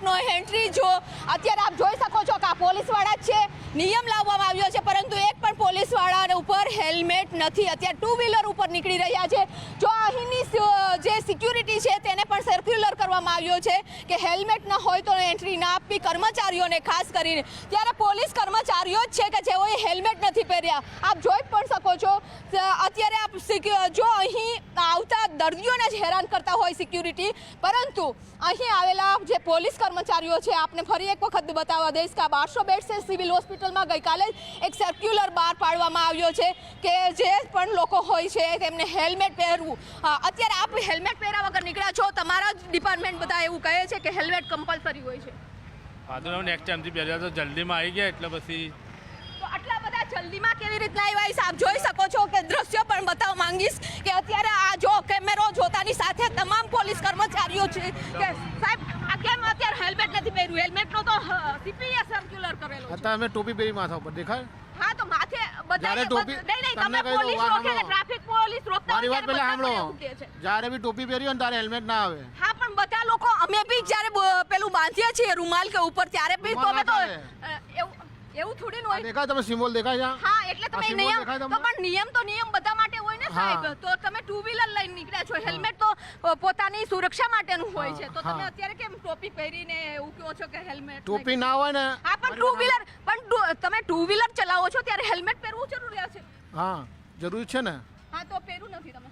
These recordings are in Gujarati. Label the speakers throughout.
Speaker 1: નો એન્ટ્રી જો અત્યારે આપ જોઈ શકો છો કે આ પોલીસવાળા જ છે, નિયમ લાવવામાં આવ્યો છે પરંતુ એક પણ પોલીસવાળા ઉપર હેલ્મેટ નથી। અત્યારે ટુ વ્હીલર ઉપર નીકળી રહ્યા છે। જો અહીંની જે સિક્યુરિટી છે તેને પણ સર્ક્યુલર કરવામાં આવ્યો છે કે હેલ્મેટ ન હોય તો એન્ટ્રી ના આપવી કર્મચારીઓને, ખાસ કરીને ત્યારે પોલીસ કર્મચારીઓ જ છે કે જેઓએ હેલ્મેટ નથી પહેર્યા। આપ જોઈ પણ શકો છો અત્યારે આપ જો અહીં આવતા દર્દીઓને જ હેરાન કરતા હોય સિક્યુરિટી, પરંતુ અહીં આવેલા જે પોલીસ કર્મચારીઓ છે આપને ફરી એક વખત બતાવવા દઈશ કે આ 1200 બેડ છે સિવિલ હોસ્પિટલમાં ગઈકાલે એક સર્ક્યુલર બહાર પાડવામાં આવ્યો છે કે જે પણ લોકો હોય છે તેમને હેલ્મેટ પહેરવું। અત્યારે આપ હેલ્મેટ પહેર્યા વગર નીકળ્યા છો, તમારા જ ડિપાર્ટમેન્ટ બધા એવું કહે છે કે હેલ્મેટ કમ્પલસરી હોય છે।
Speaker 2: હા તો નેક્સ્ટ ટાઈમથી પહેર્યા તો જલ્દીમાં આવી ગયા એટલે પછી
Speaker 1: આટલા બધા જલ્દીમાં કેવી રીતના આવ્યા આપ જોઈ શકો છો કે દ્રશ્યો પણ બતાવવા માંગીશ કે અત્યારે આ જો કેમેરો જોતાની સાથે તમામ પોલીસ કર્મચારીઓ છે કે સાહેબ આ કેમ અત્યારે હેલ્મેટ નથી પહેર્યું? હેલ્મેટનો તો સીપીએ સર્ક્યુલર કરેલો છે।
Speaker 2: તમે ટોપી પહેરી માથા ઉપર દેખાય?
Speaker 1: હા તો માથે બધાને નહીં તમે પોલીસ રોકે કે ટ્રાફિક પોલીસ રોકતા
Speaker 2: મારી વાત પહેલા સાંભળો, જ્યારે બી ટોપી પહેરી હોય ને ત્યારે હેલ્મેટ ના આવે।
Speaker 1: હા પણ બધા લોકો અમે બી જ્યારે પેલું બાંધીએ છીએ રૂમાલ કે ઉપર ત્યારે બી તો અમે તો એવું થોડી ન હોય।
Speaker 2: દેખાય તમે સિમ્બોલ દેખાય છે?
Speaker 1: હા એટલે તમે નિયમ તો પણ નિયમ બધા માટે હોય ને સાહેબ। તો તમે ટુ વ્હીલર લઈને નીકળ્યા છો, હેલ્મેટ તો પોતાની સુરક્ષા માટેનું હોય છે, તો તમે અત્યારે કેમ ટોપી પહેરીને એવું કહો છો કે હેલ્મેટ?
Speaker 2: ટોપી ના હોય ને
Speaker 1: હા પણ ટુ વ્હીલર પણ તમે ટુ વ્હીલર ચલાવો છો ત્યારે હેલ્મેટ પહેરવું જરૂરી છે।
Speaker 2: હા જરૂરી છે ને।
Speaker 1: હા તો પહેરું નથી તમે।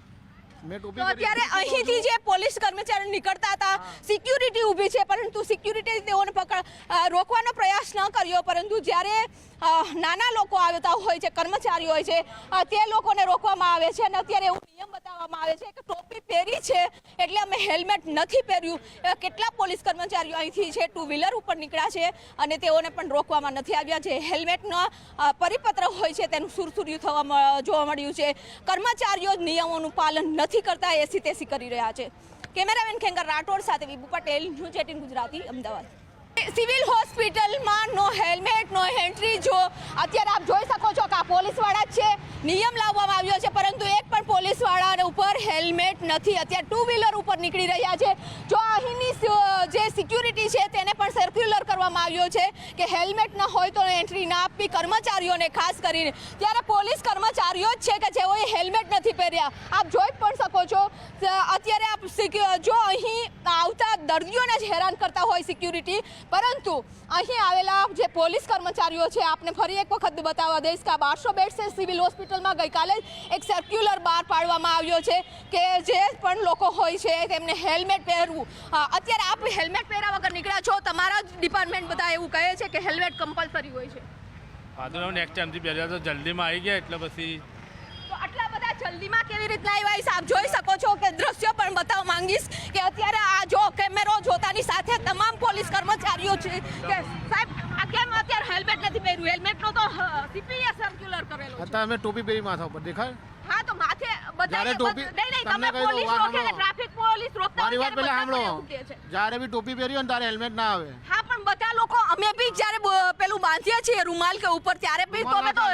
Speaker 2: તો
Speaker 1: અત્યારે અહીંથી જે પોલીસ કર્મચારી નીકળતા હતા, સિક્યુરિટી ઊભી છે પરંતુ સિક્યુરિટી તેઓને રોકવાનો પ્રયાસ ન કર્યો, પરંતુ જ્યારે નાના લોકો આવતા હોય છે, કર્મચારીઓ હોય છે, તે લોકોને રોકવામાં આવે છે અને અત્યારે એવું નિયમ બતાવવામાં આવે છે કે ટોપી પહેરી છે એટલે અમે હેલ્મેટ નથી પહેર્યું। કેટલા પોલીસ કર્મચારીઓ અહીંથી છે ટુ વ્હીલર ઉપર નીકળ્યા છે અને તેઓને પણ રોકવામાં નથી આવ્યા। જે હેલ્મેટનો પરિપત્ર હોય છે તેનું સુરસુર્યું જોવા મળ્યું છે। કર્મચારીઓ જ નિયમોનું પાલન નથી કરતા, એસી તેસી કરી રહ્યા છે। કેમેરામેન ખેંગર રાઠોડ સાથે વિભુ પટેલ, ન્યૂઝ 18 ગુજરાતી, અમદાવાદ। સિવિલ હોસ્પિટલમાં નો હેલ્મેટ નો એન્ટ્રી જો અત્યારે આપ જોઈ શકો છો કે આ પોલીસવાળા જ છે, નિયમ લાવવામાં આવ્યો છે પરંતુ એક પણ પોલીસવાળા ઉપર હેલ્મેટ નથી। અત્યારે ટુ વ્હીલર ઉપર નીકળી રહ્યા છે। જો અહીંની જે સિક્યુરિટી છે તેને પણ સર્ક્યુલર કરવામાં આવ્યો છે કે હેલ્મેટ ન હોય તો એન્ટ્રી ના આપવી કર્મચારીઓને, ખાસ કરીને ત્યારે પોલીસ કર્મચારીઓ જ છે કે જેઓએ હેલ્મેટ નથી પહેર્યા। આપ જોઈ પણ શકો છો અત્યારે આપ જો અહીં આવતા દર્દીઓને જ હેરાન કરતા હોય સિક્યુરિટી, પરંતુ અહીં આવેલા જે પોલીસ કર્મચારીઓ છે આપને ફરી એક વખત બતાવવા દઈશ કે આ 1200 બેડ છે સિવિલ હોસ્પિટલમાં ગઈકાલે એક સર્ક્યુલર બહાર પાડવામાં આવ્યો છે કે જે પણ લોકો હોય છે તેમને હેલ્મેટ પહેરવું। અત્યારે આપ હેલ્મેટ પહેર્યા વગર નીકળ્યા છો, તમારા જ ડિપાર્ટમેન્ટ બધા એવું કહે છે કે હેલ્મેટ કમ્પલસરી હોય છે।
Speaker 2: હા તો નેક્સ્ટ ટાઈમથી પહેર્યા તો જલ્દીમાં આવી ગયા એટલે પછી
Speaker 1: આટલા બધા જલ્દીમાં કેવી રીતના આવ્યા આપ જોઈ શકો છો કે દ્રશ્યો પણ બતાવવા માંગીશ કે અત્યારે આ જો કેમેરો જોતાની સાથે તમામ પોલીસ કર્મચારીઓ છે કે સાહેબ આ કેમ અત્યારે હેલ્મેટ નથી પહેર્યું? હેલ્મેટનો તો સીપીએ સર્ક્યુલર કરેલો છે।
Speaker 2: તમે ટોપી પહેરી માથા ઉપર દેખાય?
Speaker 1: હા તો માથે બધાને નહીં તમે પોલીસ રોકે કે ટ્રાફિક પોલીસ રોકતા
Speaker 2: મારી વાત પહેલા સાંભળો, જ્યારે બી ટોપી પહેરી હોય ને ત્યારે હેલ્મેટ ના આવે।
Speaker 1: હા પણ બધા લોકો અમે બી જ્યારે પેલું બાંધીએ છીએ રૂમાલ કે ઉપર ત્યારે બી તો અમે તો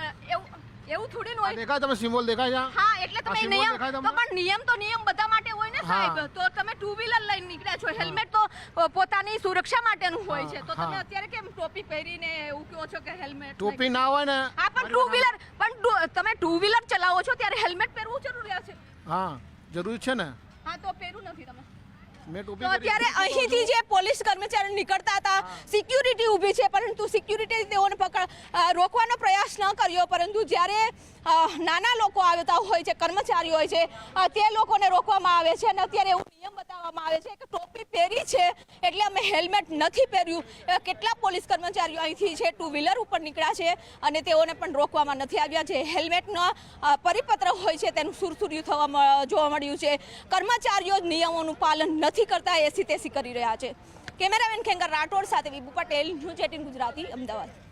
Speaker 1: એવું થોડી ન હોય।
Speaker 2: દેખાય તમે સિમ્બોલ દેખાય છે?
Speaker 1: હા એટલે તમે તો પણ નિયમ બધા માટે હોય ને સાહેબ। તો તમે ટુ વ્હીલર લઈને નીકળ્યા છો, હેલ્મેટ તો પોતાની સુરક્ષા માટેનું હોય છે, તો તમે અત્યારે કેમ ટોપી પહેરીને એવું કહો છો કે હેલ્મેટ?
Speaker 2: ટોપી ના હોય ને
Speaker 1: હા પણ ટુ વ્હીલર પણ તમે ટુ વ્હીલર ચલાવો છો ત્યારે હેલ્મેટ પહેરવું જરૂરી છે।
Speaker 2: હા જરૂરી છે ને।
Speaker 1: હા તો પહેરું નથી તમે।
Speaker 2: તો
Speaker 1: અત્યારે અહીંથી જે પોલીસ કર્મચારી નીકળતા હતા, સિક્યુરિટી ઊભી છે પરંતુ સિક્યુરિટી તેઓને રોકવાનો પ્રયાસ ન કર્યો, પરંતુ જ્યારે નાના લોકો આવતા હોય છે, કર્મચારીઓ હોય છે, તે લોકોને રોકવામાં આવે છે અને અત્યારે એવું નિયમ બતાવવામાં આવે છે કે ટોપી પહેરી છે એટલે અમે હેલ્મેટ નથી પહેર્યું। કેટલા પોલીસ કર્મચારીઓ અહીંથી છે ટુ વ્હીલર ઉપર નીકળ્યા છે અને તેઓને પણ રોકવામાં નથી આવ્યા। જે હેલ્મેટનો પરિપત્ર હોય છે તેનું સુરસુર્યું જોવા મળ્યું છે। કર્મચારીઓ જ નિયમોનું પાલન નથી કરતા, એસી તેસી કરી રહ્યા છે। કેમેરામેન ખેંગર રાઠોડ સાથે વિભુ પટેલ, ન્યૂઝ 18 ગુજરાતી, અમદાવાદ।